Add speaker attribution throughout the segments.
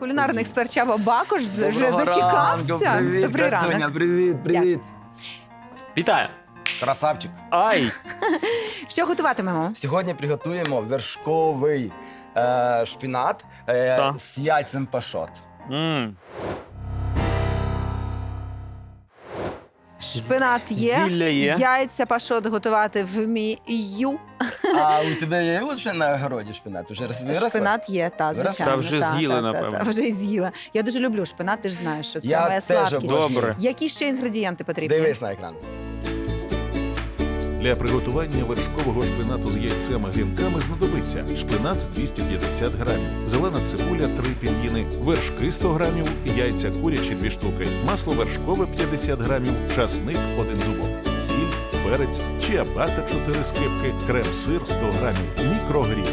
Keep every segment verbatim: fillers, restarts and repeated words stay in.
Speaker 1: Кулінарний експерт Чаба Бакош вже
Speaker 2: Доброго
Speaker 1: зачекався.
Speaker 2: ранку, Привіт,
Speaker 1: Добрий
Speaker 2: красуня,
Speaker 1: ранок.
Speaker 2: привіт, привіт.
Speaker 3: Вітаю!
Speaker 2: Красавчик.
Speaker 3: Ай!
Speaker 1: Що готуватимемо?
Speaker 2: Сьогодні приготуємо вершковий е, шпінат е,
Speaker 3: Та.
Speaker 2: з яйцем пашот.
Speaker 3: М.
Speaker 1: Шпинат є,
Speaker 3: Зілля є.
Speaker 1: яйця пашот готувати вмію.
Speaker 2: А у тебе є лише на городі шпінат? Уже виросла?
Speaker 1: Шпинат є, та,
Speaker 2: Виросла?
Speaker 1: звичайно.
Speaker 3: Та вже
Speaker 1: та,
Speaker 3: з'їли,
Speaker 1: та, та,
Speaker 3: напевно.
Speaker 1: та, вже з'їла. Я дуже люблю шпинат, ти ж знаєш, що це
Speaker 2: Я
Speaker 1: моя
Speaker 2: теж
Speaker 1: слабкість.
Speaker 2: обожнюю.
Speaker 3: Добре.
Speaker 1: Які ще інгредієнти потрібні?
Speaker 2: Дивись на екран.
Speaker 4: Для приготування вершкового шпинату з яйцем і грінками знадобиться шпинат двісті п'ятдесят грамів, зелена цибуля три пів'їни, вершки сто грамів, яйця курячі дві штуки, масло вершкове п'ятдесят грамів, часник один зубок, сіль, перець, чиабата чотири скибки, крем-сир сто грамів, мікрогрін.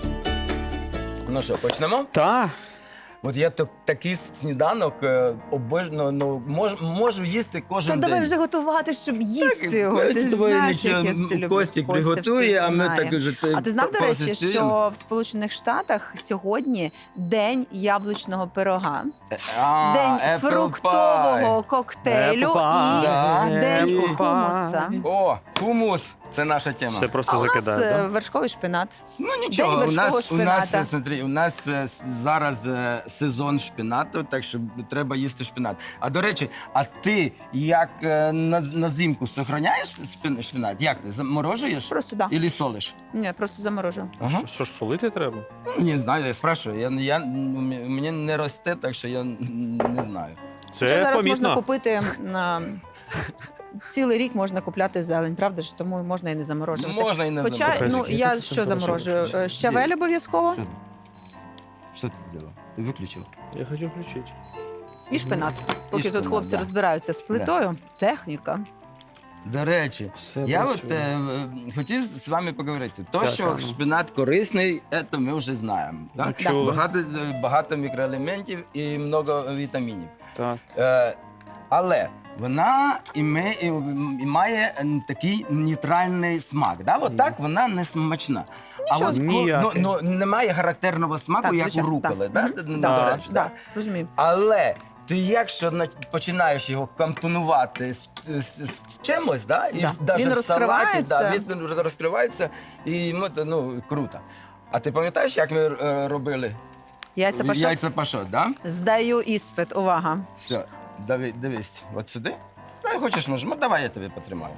Speaker 2: Ну що, почнемо?
Speaker 3: Та.
Speaker 2: От я так- такий сніданок е, обожнюю, ну, мож, можу їсти
Speaker 1: Та
Speaker 2: кожен
Speaker 1: давай
Speaker 2: день.
Speaker 1: вже готувати, щоб їсти його.
Speaker 2: Так,
Speaker 1: Ти ж
Speaker 2: з тобою
Speaker 1: знаєш,
Speaker 2: нічого,
Speaker 1: як я це люблю.
Speaker 2: Костік
Speaker 1: Костя
Speaker 2: приготує,
Speaker 1: все
Speaker 2: а ми
Speaker 1: знає.
Speaker 2: так уже
Speaker 1: А ти знав, до
Speaker 2: по-
Speaker 1: речі,
Speaker 2: посистуємо.
Speaker 1: що в Сполучених Штатах сьогодні день яблучного пирога,
Speaker 2: А,
Speaker 1: день
Speaker 2: apple
Speaker 1: фруктового
Speaker 2: pie.
Speaker 1: коктейлю
Speaker 3: Apple
Speaker 1: і
Speaker 2: pie.
Speaker 1: день
Speaker 3: Apple
Speaker 1: хумуса.
Speaker 3: pie.
Speaker 2: О, хумус. Це наша тема.
Speaker 3: Все просто
Speaker 1: А у нас
Speaker 3: закидаю,
Speaker 1: е,
Speaker 3: да?
Speaker 1: вершковий шпинат.
Speaker 2: Ну нічого,
Speaker 1: День
Speaker 2: у
Speaker 1: вершкового
Speaker 2: нас, у нас,
Speaker 1: шпината.
Speaker 2: е, смотри, у нас е, с- зараз е, сезон шпинату, так що треба їсти шпинат. А до речі, а ти як е, на, на зимку сохраняєш шпин- шпинат? Як ти? Заморожуєш?
Speaker 1: Просто да.
Speaker 2: Ілі солиш?
Speaker 1: Ні, просто заморожу.
Speaker 2: Ага.
Speaker 3: Що, що ж, солити треба?
Speaker 2: Ну, не знаю, я спрашиваю. Я, я, мені не росте, так що я не знаю.
Speaker 1: Хоча
Speaker 3: Це
Speaker 1: зараз можна
Speaker 3: помітно.
Speaker 1: купити на цілий рік можна купляти зелень, правда ж? Тому можна і не заморожувати.
Speaker 2: Можна і не
Speaker 1: Хоча,
Speaker 2: заморожувати.
Speaker 1: ну я що заморожую? Е, Щавель обов'язково
Speaker 2: Що ти? Що ти зробила? Ти виключив?
Speaker 3: Я хочу включити.
Speaker 1: і шпинат. Поки
Speaker 2: шпинат,
Speaker 1: тут хлопці
Speaker 2: да.
Speaker 1: розбираються з плитою, техніка.
Speaker 2: До речі,
Speaker 3: Все
Speaker 2: я от
Speaker 3: працює.
Speaker 2: е, хотів з вами поговорити. То,
Speaker 3: Так,
Speaker 2: що
Speaker 3: так.
Speaker 2: шпинат корисний, це ми вже знаємо.
Speaker 3: Ну,
Speaker 2: Так?
Speaker 3: чули.
Speaker 2: Багато, е, багато мікроелементів і много вітамінів.
Speaker 3: Так.
Speaker 2: Е, але вона іме, і, і має м, такий нейтральний смак. Да? От так вона не смачна. А
Speaker 1: Нічого.
Speaker 2: от ко- ну,
Speaker 3: Ніякий.
Speaker 2: ну, немає характерного смаку,
Speaker 1: Так,
Speaker 2: як
Speaker 1: звичайно,
Speaker 2: у руколи.
Speaker 1: так.
Speaker 2: Да?
Speaker 1: Мгм.
Speaker 2: Ну,
Speaker 1: Так,
Speaker 2: до речі,
Speaker 1: да,
Speaker 2: да?
Speaker 1: розумію.
Speaker 2: Але ти якщо на- починаєш його компонувати з, з, з чимось, да? і
Speaker 1: Да.
Speaker 2: навіть
Speaker 1: Він
Speaker 2: в салаті, да,
Speaker 1: розкривається.
Speaker 2: він розкривається, і ну, це, ну, круто. А ти пам'ятаєш, як ми е, робили
Speaker 1: Яйця пашот.
Speaker 2: яйця пашот, да?
Speaker 1: Здаю іспит. Увага.
Speaker 2: Все, диви, дивись, от сюди. Ну, хочеш, може, ну, давай я тебе потримаю.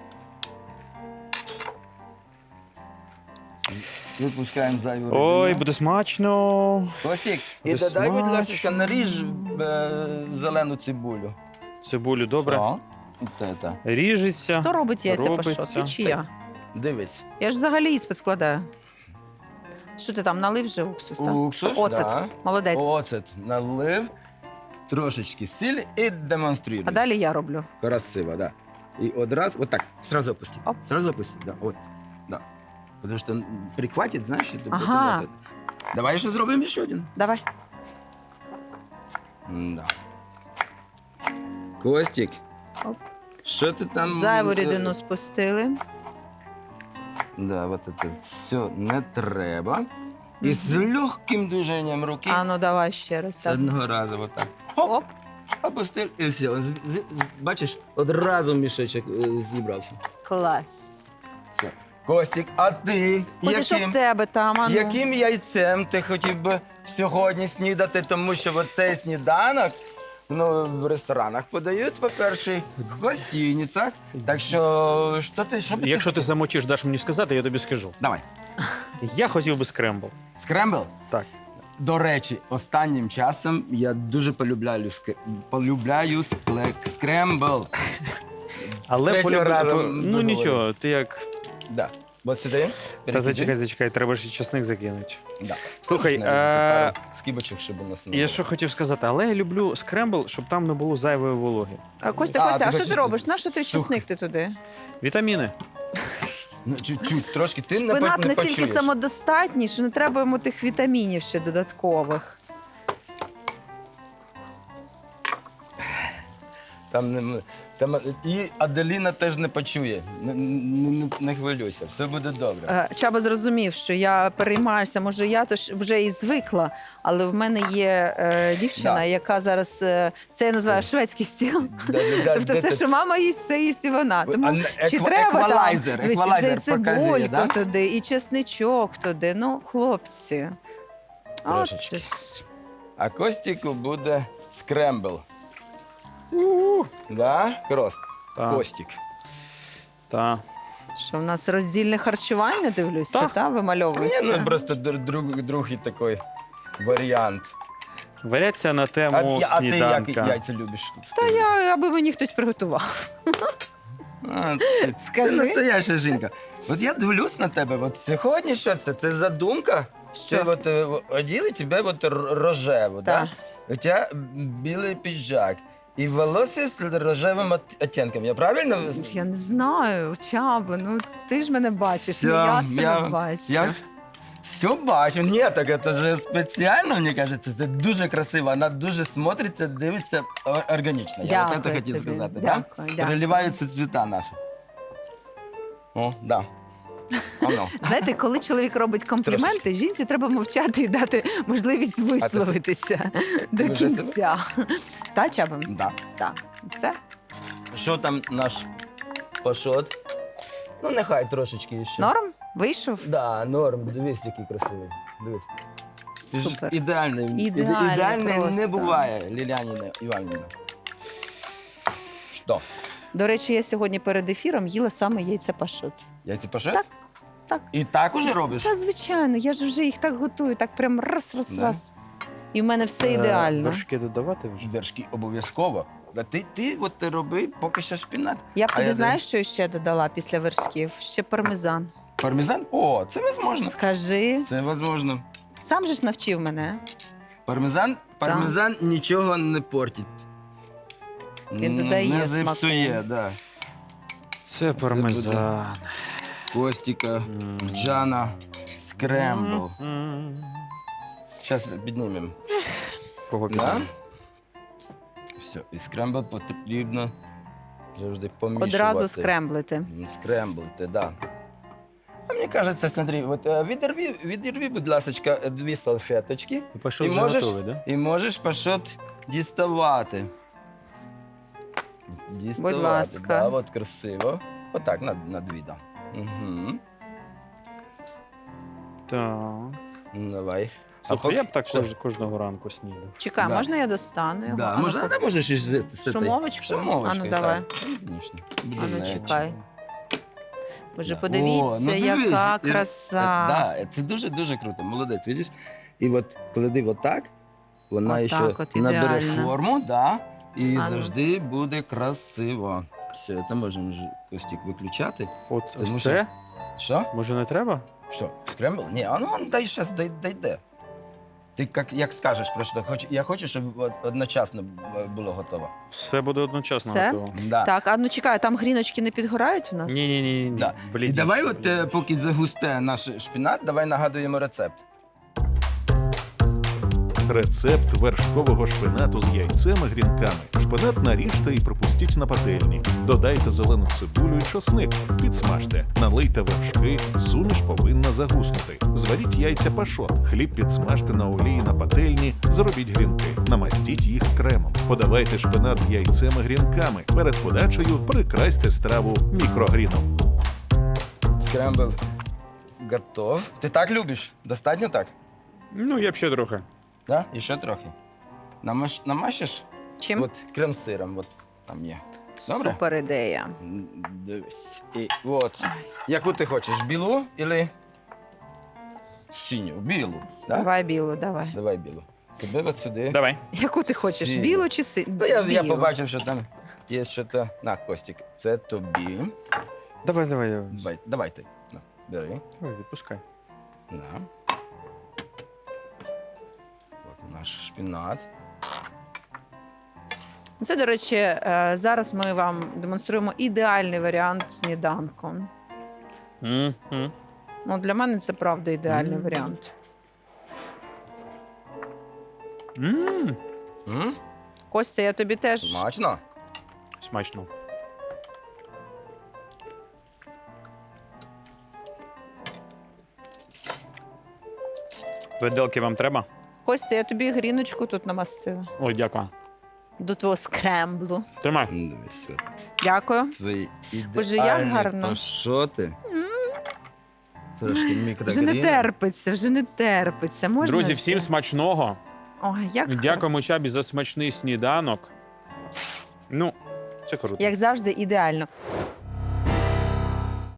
Speaker 2: Випускаємо зайву
Speaker 3: Ой,
Speaker 2: рідину.
Speaker 3: буде смачно.
Speaker 2: Косік, і
Speaker 3: буде
Speaker 2: додай, будь ласка,
Speaker 3: смачно.
Speaker 2: наріж е, зелену цибулю.
Speaker 3: Цибулю добре.
Speaker 2: О, от це.
Speaker 3: Ріжеться.
Speaker 1: Хто робить яйця
Speaker 3: робиться.
Speaker 1: пашот? Ти чи я?
Speaker 2: Дивись.
Speaker 1: Я ж взагалі іспит складаю. Що ти там, налив вже уксус? Так?
Speaker 2: Уксус,
Speaker 1: Оцет.
Speaker 2: да.
Speaker 1: Молодець.
Speaker 2: Оцет налив, трошечки сіль і демонструй.
Speaker 1: А далі я роблю.
Speaker 2: Красиво, да. І одразу, вот так, сразу опусти.
Speaker 1: Оп.
Speaker 2: Сразу опусти, да, от, да. Потому что м, прихватит, знаешь, это
Speaker 1: Ага.
Speaker 2: потом это. Давай ще зробимо ще один.
Speaker 1: Давай.
Speaker 2: Да. Костік,
Speaker 1: Оп.
Speaker 2: що ти там?
Speaker 1: Зайву
Speaker 2: е,
Speaker 1: рідину спустили.
Speaker 2: Да, вот это все не треба. І з легким движенням руки
Speaker 1: А ну давай ще раз. Так.
Speaker 2: одного разу вот так. Хоп,
Speaker 1: Оп.
Speaker 2: опустив і все. З- з- з- Бачиш, одразу мішечок е, зібрався.
Speaker 1: Клас.
Speaker 2: Все. Костік, а ти
Speaker 1: Костя, що в
Speaker 2: яким,
Speaker 1: тебе там? А ну?
Speaker 2: яким яйцем ти хотів би сьогодні снідати? Тому що оцей сніданок ну, в ресторанах подають, по-перше, в гостиницях. Так що, що ти, що б ти
Speaker 3: Якщо ти
Speaker 2: хотів?
Speaker 3: замочиш, даш мені сказати, я тобі скажу.
Speaker 2: Давай.
Speaker 3: Я хотів би скрембл.
Speaker 2: Скрембл?
Speaker 3: Так.
Speaker 2: До речі, останнім часом я дуже полюбляю, ск- полюбляю скле- скрембл.
Speaker 3: Але
Speaker 2: З третього
Speaker 3: полюб-
Speaker 2: разу
Speaker 3: по- ну
Speaker 2: виговорив.
Speaker 3: нічого, ти як.
Speaker 2: Да. От сюди.
Speaker 3: Та
Speaker 2: перекиди.
Speaker 3: зачекай, зачекай, треба ж і часник закинути.
Speaker 2: Да.
Speaker 3: Слухай,
Speaker 2: Навіть
Speaker 3: е,
Speaker 2: пару скибочок, щоб у нас не
Speaker 3: я
Speaker 2: було.
Speaker 3: що хотів сказати, але я люблю скрембл, щоб там не було зайвої вологи.
Speaker 1: А, Костя,
Speaker 2: А,
Speaker 1: Костя,
Speaker 2: ти
Speaker 1: а що
Speaker 2: хочеш-
Speaker 1: ти робиш? На що ти
Speaker 2: Слухай.
Speaker 1: чесник ти туди?
Speaker 3: Вітаміни.
Speaker 2: Ну, чуть-чуть, трошки ти не,
Speaker 1: Шпинат
Speaker 2: по- не
Speaker 1: настільки
Speaker 2: почуєш.
Speaker 1: самодостатній, що не треба йому тих вітамінів ще додаткових.
Speaker 2: Там не, там, і Аделіна теж не почує. Не, не, не хвилюйся, все буде добре.
Speaker 1: Е, Чаба зрозумів, що я переймаюся, може, я то ж вже і звикла, але в мене є е, дівчина,
Speaker 2: Да.
Speaker 1: яка зараз, е, це я називаю шведський стіл.
Speaker 2: Да, да, да,
Speaker 1: Тобто
Speaker 2: де
Speaker 1: все,
Speaker 2: ти-
Speaker 1: що мама їсть, все їсть і вона. Тому
Speaker 2: А,
Speaker 1: чи
Speaker 2: еква-
Speaker 1: треба там
Speaker 2: еквалайзер,
Speaker 1: дивись,
Speaker 2: еквалайзер
Speaker 1: і
Speaker 2: показує,
Speaker 1: цибульку
Speaker 2: да?
Speaker 1: туди, і чесничок туди. Ну, хлопці. От
Speaker 2: Трошечки.
Speaker 1: це ж.
Speaker 2: А Костіку буде скрембл. Да? Крос.
Speaker 3: Та,
Speaker 2: Костік.
Speaker 3: та.
Speaker 1: Що в нас роздільне харчування, дивлюся,
Speaker 3: Так.
Speaker 1: та,
Speaker 2: Ні,
Speaker 1: вимальовується.
Speaker 2: ну просто др- друг, другий такий варіант.
Speaker 3: Варіація на
Speaker 2: А,
Speaker 3: тему
Speaker 2: я- а ти як
Speaker 3: сніданка.
Speaker 2: яйця любиш?
Speaker 1: Та я, аби мені хтось приготував.
Speaker 2: А, ти, ти
Speaker 1: Скажи.
Speaker 2: настояща жінка. От я дивлюсь на тебе, от сьогодні що це? Це задумка? Ти
Speaker 1: Що?
Speaker 2: от е, оділи тебе от р- рожево,
Speaker 1: Так.
Speaker 2: да? У тебе білий піджак. І волосся з рожевим от- оттінком. Я правильно?
Speaker 1: Я не знаю, Чаба, ну ти ж мене бачиш, не
Speaker 2: Всё,
Speaker 1: я себе
Speaker 2: я-
Speaker 1: бачу.
Speaker 2: Я все бачу. Ні, так це ж спеціально, мені кажеться, це дуже красиво. Вона дуже смотриться, дивиться о- органічно. Я от це
Speaker 1: Дякую
Speaker 2: хотів
Speaker 1: тобі.
Speaker 2: сказати.
Speaker 1: Дякую,
Speaker 2: Да?
Speaker 1: дякую.
Speaker 2: Переливаються цвіта наші. О, да. Оно.
Speaker 1: Знаєте, коли чоловік робить компліменти, жінці треба мовчати і дати можливість висловитися до
Speaker 2: вже себе?
Speaker 1: кінця. Та, Чаба?
Speaker 2: Да.
Speaker 1: Так. Все?
Speaker 2: Що там наш пашот? Ну, нехай трошечки ще.
Speaker 1: Норм? Вийшов?
Speaker 2: Да, норм. Дивись, який красивий. Дивись. Ти ж
Speaker 1: Супер.
Speaker 2: Ідеальний. Іде-
Speaker 1: Ідеальний
Speaker 2: Ідеальний не
Speaker 1: просто.
Speaker 2: буває, Лілянина Іванівна. Що?
Speaker 1: До речі, я сьогодні перед ефіром їла саме яйця пашот.
Speaker 2: Яйця пашот?
Speaker 1: Так, так.
Speaker 2: І так уже робиш?
Speaker 1: Та звичайно, я ж вже їх так готую, так прям раз, раз,
Speaker 2: Да?
Speaker 1: раз. І в мене все
Speaker 3: Е,
Speaker 1: ідеально.
Speaker 3: Вершки додавати вже?
Speaker 2: Вершки обов'язково. Да ти, ти от ти роби поки що шпінат.
Speaker 1: Я б
Speaker 2: А
Speaker 1: туди,
Speaker 2: я
Speaker 1: знаєш, що ще додала після вершків? Ще пармезан.
Speaker 2: Пармезан? О, це возможно.
Speaker 1: Скажи,
Speaker 2: Це возможно.
Speaker 1: сам же ж навчив мене.
Speaker 2: Пармезан, пармезан нічого не портить.
Speaker 1: Він
Speaker 2: Н-
Speaker 1: додає
Speaker 2: Не
Speaker 1: смаку.
Speaker 2: зіпсує, да.
Speaker 3: Це пармезан.
Speaker 2: Костіка,
Speaker 3: М.
Speaker 2: Джана, скрембл.
Speaker 3: М.
Speaker 2: Зараз піднімемо.
Speaker 3: Кого
Speaker 2: Да?
Speaker 3: підемо?
Speaker 2: Все, і скрембл потрібно завжди помішувати.
Speaker 1: Одразу скремблити.
Speaker 2: М, Скремблити, да. А мені кажеться, смотри, от е, відірві, відірві, будь ласка, дві салфеточки.
Speaker 3: Пішов
Speaker 2: І
Speaker 3: вже
Speaker 2: можеш-
Speaker 3: готовий, да?
Speaker 2: І можеш пашот діставати. Діставати,
Speaker 1: ласка.
Speaker 2: Да, от красиво. Отак, на, на дві, да. Угу.
Speaker 3: Так.
Speaker 2: Давай.
Speaker 3: Слухай,
Speaker 2: поки-
Speaker 3: я б так
Speaker 2: що?
Speaker 3: кож- кожного ранку снідав.
Speaker 1: Чекай,
Speaker 2: Да.
Speaker 1: можна я достану його?
Speaker 2: Да,
Speaker 1: Ану,
Speaker 2: можна,
Speaker 1: поки-
Speaker 2: да, можеш і з, з, з
Speaker 1: Шумовочку?
Speaker 2: Шумовочкою,
Speaker 1: Ану, давай.
Speaker 2: так. Звісно.
Speaker 1: Ану, чекай. Боже,
Speaker 2: Да.
Speaker 1: подивіться,
Speaker 2: О, ну дивись,
Speaker 1: яка
Speaker 2: і-
Speaker 1: краса.
Speaker 2: Е, Да, це дуже-дуже круто. Молодець, видиш? І от клади отак, вона
Speaker 1: Отак
Speaker 2: ще
Speaker 1: от,
Speaker 2: набере
Speaker 1: ідеально.
Speaker 2: форму, да, і
Speaker 1: А ну.
Speaker 2: завжди буде красиво. Все, це можемо вже Костік виключати.
Speaker 3: От
Speaker 2: Тому
Speaker 3: ось
Speaker 2: що-
Speaker 3: це?
Speaker 2: Що?
Speaker 3: Може не треба?
Speaker 2: Що? Скрембл? Ні, а ну дай щас, дай, дай де. Ти як, як скажеш, просто хоч, я хочу, щоб од- одночасно б- було готово.
Speaker 3: Все буде одночасно
Speaker 1: Все?
Speaker 3: готово.
Speaker 2: Да.
Speaker 1: Так, а ну чекай, там гріночки не підгорають у нас?
Speaker 3: Ні, ні, ні, ні.
Speaker 2: Да. І давай, от е, поки загусте наш шпінат, давай нагадуємо рецепт.
Speaker 4: Рецепт вершкового шпинату з яйцем і грінками. Шпинат наріжте і пропустіть на пательні. Додайте зелену цибулю і чосник. Підсмажте. Налийте вершки. Суміш повинна загуснути. Зваріть яйця пашот. Хліб підсмажте на олії на пательні. Зробіть грінки. Намастіть їх кремом. Подавайте шпинат з яйцем і грінками. Перед подачею прикрасьте страву мікрогріном.
Speaker 2: Скрембл готов. Ти так любиш? Достатньо так?
Speaker 3: Ну, я б ще трохи.
Speaker 2: Да? І ще трохи. Намаш, намашиш?
Speaker 1: Чим?
Speaker 2: От крем-сиром, от там є. Добре?
Speaker 1: Супер ідея.
Speaker 2: М, Дивись. І от. Яку ти хочеш? Білу или синю? Білу. Да?
Speaker 1: Давай білу, давай.
Speaker 2: Давай білу. Тебе от сюди.
Speaker 3: Давай.
Speaker 1: Яку ти хочеш?
Speaker 2: Синю.
Speaker 1: Білу чи си...
Speaker 2: Ну, я, я
Speaker 1: білу?
Speaker 2: побачив, що там є щось. На, Костік, це тобі.
Speaker 3: Давай, давай. Давай,
Speaker 2: Давай, давай ти. На, бери.
Speaker 3: Давай, відпускай.
Speaker 2: На. От наш шпінат.
Speaker 1: Це, до речі, е, зараз ми вам демонструємо ідеальний варіант сніданку.
Speaker 3: М-м.
Speaker 1: Ну, для мене це правда ідеальний
Speaker 3: Мгм.
Speaker 1: варіант.
Speaker 3: М.
Speaker 2: М?
Speaker 1: Костя, я тобі теж
Speaker 2: Смачно?
Speaker 3: Смачно. Виделки вам треба?
Speaker 1: Костя, я тобі гріночку тут намастила.
Speaker 3: Ой, дякую.
Speaker 1: До твого скремблу.
Speaker 3: Тримай.
Speaker 2: Ну, дивись, от.
Speaker 1: Дякую.
Speaker 2: Твої
Speaker 1: Боже, як
Speaker 2: ідеальні
Speaker 1: гарно.
Speaker 2: пашоти. Трошки
Speaker 1: Вже
Speaker 2: мікрогрін.
Speaker 1: не терпиться, вже не терпиться. Можна
Speaker 3: Друзі,
Speaker 1: вже?
Speaker 3: всім смачного.
Speaker 1: Ой, як
Speaker 3: Дякуємо Чабі за смачний сніданок. Ну, це круто.
Speaker 1: Як завжди, ідеально.